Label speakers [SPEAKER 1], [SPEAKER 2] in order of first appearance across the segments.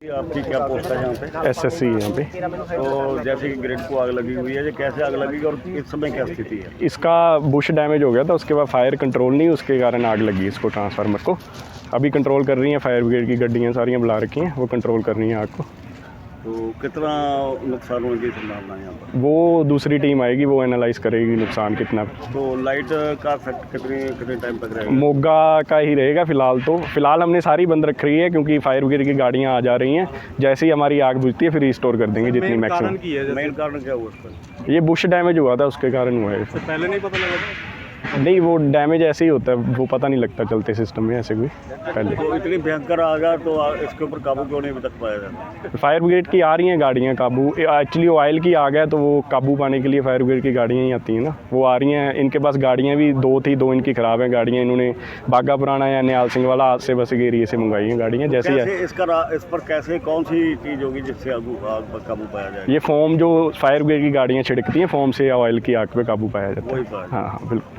[SPEAKER 1] आपकी क्या पोस्ट है यहाँ पे?
[SPEAKER 2] एसएससी है यहाँ पे।
[SPEAKER 1] तो जैसे कि ग्रिड को आग लगी हुई है, ये कैसे आग लगेगी और इस समय क्या स्थिति है?
[SPEAKER 2] इसका बुश डैमेज हो गया था, उसके बाद फायर कंट्रोल नहीं, उसके कारण आग लगी इसको, ट्रांसफार्मर को। अभी कंट्रोल कर रही हैं, फायर ब्रिगेड की गड्डियाँ सारियाँ बुला रखी हैं, वो कंट्रोल कर रही हैं आग को।
[SPEAKER 1] तो कितना नुकसान होने की संभावना है यहाँ पर?
[SPEAKER 2] वो दूसरी टीम आएगी, वो एनालाइज करेगी नुकसान कितना।
[SPEAKER 1] तो लाइट का इफेक्ट कितने टाइम तक रहेगा?
[SPEAKER 2] मोगा का ही रहेगा फिलहाल। तो फिलहाल हमने सारी बंद रख रही है क्योंकि फायर ब्रिगेड की गाड़ियाँ आ जा रही हैं। जैसे ही हमारी आग बुझती है फिर रिस्टोर कर देंगे जितनी मैक्सिमम।
[SPEAKER 1] मेन कारण क्या हुआ उसका?
[SPEAKER 2] ये बुश डैमेज हुआ था, उसके कारण हुआ है।
[SPEAKER 1] पहले नहीं पता लगा?
[SPEAKER 2] नहीं, वो डैमेज ऐसे ही होता है, वो पता नहीं लगता चलते सिस्टम में ऐसे कोई पहले।
[SPEAKER 1] तो इतनी भयंकर आग है तो इसके ऊपर काबू क्यों नहीं अभी तक पाया जाता?
[SPEAKER 2] फायर ब्रिगेड की आ रही हैं गाड़ियाँ काबू। एक्चुअली ऑयल की आ गया तो वो काबू पाने के लिए फायर ब्रिगेड की गाड़ियाँ ही आती हैं ना, वो आ रही हैं। इनके पास गाड़ियाँ भी दो थी, दो इनकी ख़राब हैं गाड़ियाँ। इन्होंने बागा पुराना या निहाल सिंह वाला आज से बस के एरिए से मंगवाई हैं गाड़ियाँ। जैसे
[SPEAKER 1] इस पर कैसे कौन सी चीज़ होगी जिससे आग पर काबू पाया जाए?
[SPEAKER 2] ये फोम जो फायर ब्रिगेड की गाड़ियाँ छिड़कती हैं, फोम से ऑयल की आग पे काबू पाया जाता है।
[SPEAKER 1] वही बात।
[SPEAKER 2] हाँ हाँ बिल्कुल।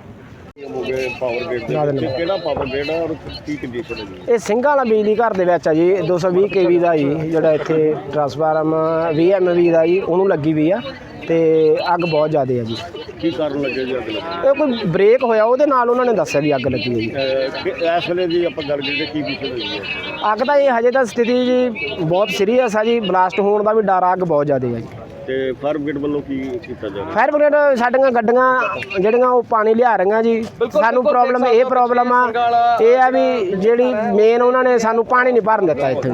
[SPEAKER 3] ਇਹ ਸਿੰਘਾਂ ਵਾਲਾ ਬਿਜਲੀ ਘਰ ਦੇ ਵਿੱਚ ਆ ਜੀ, 220 kV ਦਾ ਜੀ ਜਿਹੜਾ ਇੱਥੇ ਟਰਾਂਸਫਾਰਮ 20 MV ਦਾ ਜੀ, ਉਹਨੂੰ ਲੱਗੀ ਵੀ ਆ ਤੇ ਅੱਗ ਬਹੁਤ ਜ਼ਿਆਦਾ ਆ ਜੀ।
[SPEAKER 1] ਕੀ ਕਾਰਨ ਲੱਗੇ ਜੀ ਅੱਗ ਲੱਗਣ?
[SPEAKER 3] ਇਹ ਕੋਈ ਬ੍ਰੇਕ ਹੋਇਆ, ਉਹਦੇ ਨਾਲ ਉਹਨਾਂ ਨੇ ਦੱਸਿਆ ਵੀ ਅੱਗ ਲੱਗੀ ਹੈ ਜੀ।
[SPEAKER 1] ਇਸ ਵੇਲੇ ਦੀ ਆਪਾਂ ਗੱਲ ਕਰੀਏ ਕੀ ਵਿਸ਼ੇ ਹੋਈ ਹੈ?
[SPEAKER 3] ਅੱਗ ਤਾਂ ਇਹ ਹਜੇ ਤਾਂ ਸਥਿਤੀ ਜੀ ਬਹੁਤ ਸੀਰੀਅਸ ਆ ਜੀ, ਬਲਾਸਟ ਹੋਣ ਦਾ ਵੀ ਡਰ ਆ, ਅੱਗ ਬਹੁਤ ਜ਼ਿਆਦਾ ਆ ਜੀ।
[SPEAKER 1] ਤੇ ਫਾਇਰ ਬ੍ਰਿਗੇਡ ਵੱਲੋਂ ਕੀ ਕੀਤਾ ਜਾ ਰਿਹਾ?
[SPEAKER 3] ਫਾਇਰ ਬ੍ਰਿਗੇਡ ਸਾਡੀਆਂ ਗੱਡੀਆਂ ਜਿਹੜੀਆਂ ਉਹ ਪਾਣੀ ਲਿਆ ਰਹੀਆਂ ਜੀ। ਸਾਨੂੰ ਪ੍ਰੋਬਲਮ ਆ ਇਹ ਆ ਵੀ ਜਿਹੜੀ ਮੇਨ ਉਹਨਾਂ ਨੇ ਸਾਨੂੰ ਪਾਣੀ ਨਹੀਂ ਭਰਨ ਦਿੱਤਾ ਇੱਥੇ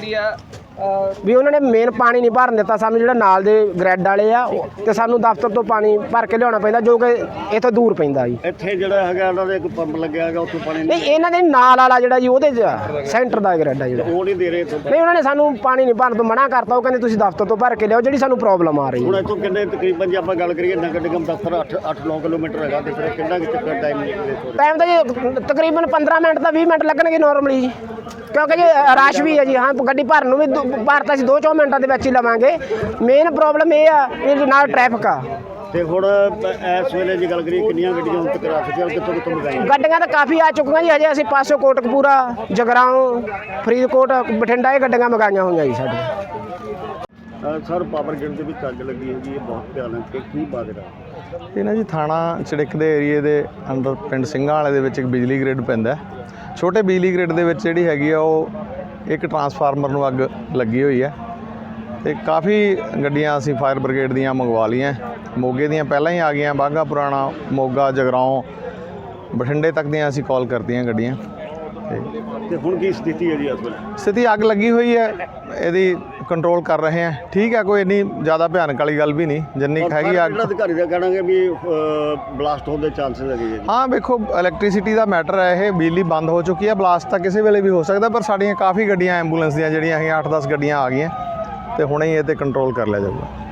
[SPEAKER 3] ਵੀ ਉਹਨਾਂ ਨੇ ਮੇਨ ਪਾਣੀ ਨਹੀਂ ਭਰਨ ਦਿੱਤਾ ਸਾਨੂੰ, ਜਿਹੜਾ ਨਾਲ ਦੇ ਗ੍ਰੈਡ ਵਾਲੇ ਆ ਤੇ ਸਾਨੂੰ ਦਫ਼ਤਰ ਤੋਂ ਪਾਣੀ ਭਰ ਕੇ ਲਿਆਉਣਾ ਪੈਂਦਾ, ਜੋ ਕਿ ਇੱਥੋਂ ਦੂਰ ਪੈਂਦਾ ਜੀ।
[SPEAKER 1] ਇੱਥੇ ਜਿਹੜਾ ਹੈਗਾ ਉਹਨਾਂ ਦਾ ਇੱਕ ਪੰਪ ਲੱਗਿਆ ਹੈਗਾ, ਉੱਥੋਂ ਪਾਣੀ
[SPEAKER 3] ਨਹੀਂ, ਇਹਨਾਂ ਦੇ ਨਾਲ ਵਾਲਾ ਜਿਹੜਾ ਜੀ ਉਹਦੇ 'ਚ ਸੈਂਟਰ ਦਾ ਗ੍ਰੈਡ ਆ ਜਿਹੜਾ,
[SPEAKER 1] ਉਹ ਨਹੀਂ ਦੇ ਰਹੇ ਇੱਥੋਂ।
[SPEAKER 3] ਨਹੀਂ, ਉਹਨਾਂ ਨੇ ਸਾਨੂੰ ਪਾਣੀ ਨਹੀਂ ਭਰਨ ਤੋਂ ਮਨਾ ਕਰਤਾ। ਉਹ ਕਹਿੰਦੇ ਤੁਸੀਂ ਦਫ਼ਤਰ ਤੋਂ ਭਰ ਕੇ ਲਿਆਓ, ਜਿਹੜੀ ਸਾਨੂੰ ਪ੍ਰੋਬਲਮ ਆ ਰਹੀ
[SPEAKER 1] ਹੁਣ
[SPEAKER 3] ਹੈ।
[SPEAKER 1] ਇੱਥੋਂ ਕਿੰਨੇ ਤਕਰੀਬਨ ਜੇ ਆਪਾਂ ਗੱਲ ਕਰੀਏ ਨਗਰ ਨਿਗਮ ਦਫ਼ਤਰ 8-9 ਕਿਲੋਮੀਟਰ ਹੈਗਾ, ਤੇ ਫਿਰ ਕਿੰਨਾ ਕੁ ਚੱਕਰ ਟਾਈਮ
[SPEAKER 3] ਟਾਈਮ ਤਾਂ ਜੀ ਤਕਰੀਬਨ 15 ਮਿੰਟ ਤਾਂ 20 ਮਿੰਟ ਲੱਗਣਗੇ ਨਾਰਮਲੀ ਜੀ, ਕਿਉਂਕਿ ਜੀ ਰਸ਼ ਵੀ ਹੈ ਜੀ। ਹਾਂ, ਗੱਡੀ ਭਰਨ ਨੂੰ ਵੀ ਭਰ ਤਾਂ ਅਸੀਂ 2-4 ਮਿੰਟਾਂ ਦੇ ਵਿੱਚ ਹੀ ਲਵਾਂਗੇ। ਮੇਨ ਪ੍ਰੋਬਲਮ ਇਹ ਆ ਵੀ ਨਾਲ ਟ੍ਰੈਫਿਕ ਆ।
[SPEAKER 1] ਤੇ ਹੁਣ ਇਸ ਵੇਲੇ ਜੇ ਗੱਲ ਕਰੀਏ ਕਿੰਨੀਆਂ ਗੱਡੀਆਂ ਹੁਣ ਤੱਕ ਆ ਚੁੱਕੀਆਂ, ਕਿੱਥੋਂ ਮੰਗਾਈਆਂ?
[SPEAKER 3] ਗੱਡੀਆਂ ਤਾਂ ਕਾਫੀ ਆ ਚੁੱਕੀਆਂ ਜੀ। ਹਜੇ ਅਸੀਂ ਪਾਸੋਂ ਕੋਟਕਪੂਰਾ, ਜਗਰਾਓਂ, ਫਰੀਦਕੋਟ, ਬਠਿੰਡਾ ਇਹ ਗੱਡੀਆਂ ਮੰਗਾਈਆਂ ਹੋਈਆਂ ਜੀ ਸਾਡੀਆਂ।
[SPEAKER 1] ਸਰ, ਪਾਵਰ ਗ੍ਰਿਡ ਦੇ ਵਿੱਚ ਅੱਗ ਲੱਗੀ ਹੈਗੀ, ਇਹ ਬਹੁਤ ਭਿਆਨਕ ਹੈ, ਕੀ ਬਾਜਰਾ?
[SPEAKER 4] ਇਹ ਨਾ ਜੀ ਥਾਣਾ ਚੜਿੱਕ ਦੇ ਏਰੀਏ ਦੇ ਅੰਦਰ ਪਿੰਡ ਸਿੰਘਾਂ ਵਾਲੇ ਦੇ ਵਿੱਚ ਇੱਕ ਬਿਜਲੀ ਗ੍ਰਿਡ ਪੈਂਦਾ। ਛੋਟੇ ਬਿਜਲੀ ਗ੍ਰਿਡ ਦੇ ਵਿੱਚ ਜਿਹੜੀ ਹੈਗੀ ਆ ਉਹ ਇੱਕ ਟਰਾਂਸਫਾਰਮਰ ਨੂੰ ਅੱਗ ਲੱਗੀ ਹੋਈ ਹੈ ਤੇ ਕਾਫੀ ਗੱਡੀਆਂ ਅਸੀਂ ਫਾਇਰ ਬ੍ਰਿਗੇਡ ਦੀਆਂ ਮੰਗਵਾ ਲਈਆਂ। ਮੋਗੇ ਦੀਆਂ ਪਹਿਲਾਂ ਹੀ ਆ ਗਈਆਂ, ਬਾਗਾ ਪੁਰਾਣਾ, ਮੋਗਾ, ਜਗਰਾਓਂ, ਬਠਿੰਡੇ ਤੱਕ ਦੀਆਂ ਅਸੀਂ ਕਾਲ ਕਰਤੀਆਂ ਗੱਡੀਆਂ।
[SPEAKER 1] ਤੇ ਹੁਣ ਕੀ ਸਥਿਤੀ ਹੈ ਜੀ ਇਸ ਵੇਲੇ?
[SPEAKER 4] ਸਥਿਤੀ ਅੱਗ ਲੱਗੀ ਹੋਈ ਹੈ, ਇਹਦੀ ਕੰਟਰੋਲ ਕਰ ਰਹੇ ਹਾਂ। ਠੀਕ ਹੈ, ਕੋਈ ਇੰਨੀ ਜ਼ਿਆਦਾ ਭਿਆਨਕ ਵਾਲੀ ਗੱਲ ਵੀ ਨਹੀਂ, ਜਿੰਨੀ ਹੈਗੀ ਅੱਗ।
[SPEAKER 1] ਅਧਿਕਾਰੀ ਦਾ ਕਹਿਣਾ ਹੈ ਵੀ ਬਲਾਸਟ ਹੋਣ ਦੇ ਚਾਂਸਸ ਹੈਗੇ ਜੀ।
[SPEAKER 4] ਹਾਂ, ਵੇਖੋ ਇਲੈਕਟ੍ਰਿਸਿਟੀ ਦਾ ਮੈਟਰ ਹੈ ਇਹ, ਬਿਜਲੀ ਬੰਦ ਹੋ ਚੁੱਕੀ ਹੈ, ਬਲਾਸਟ ਤਾਂ ਕਿਸੇ ਵੇਲੇ ਵੀ ਹੋ ਸਕਦਾ, ਪਰ ਸਾਡੀਆਂ ਕਾਫੀ ਗੱਡੀਆਂ ਐਂਬੂਲੈਂਸ ਦੀਆਂ ਜਿਹੜੀਆਂ ਹੈਗੀਆਂ 8-10 ਗੱਡੀਆਂ ਆ ਗਈਆਂ ਤੇ ਹੁਣੇ ਹੀ ਇਹ 'ਤੇ ਕੰਟਰੋਲ ਕਰ ਲਿਆ ਜਾਊਗਾ।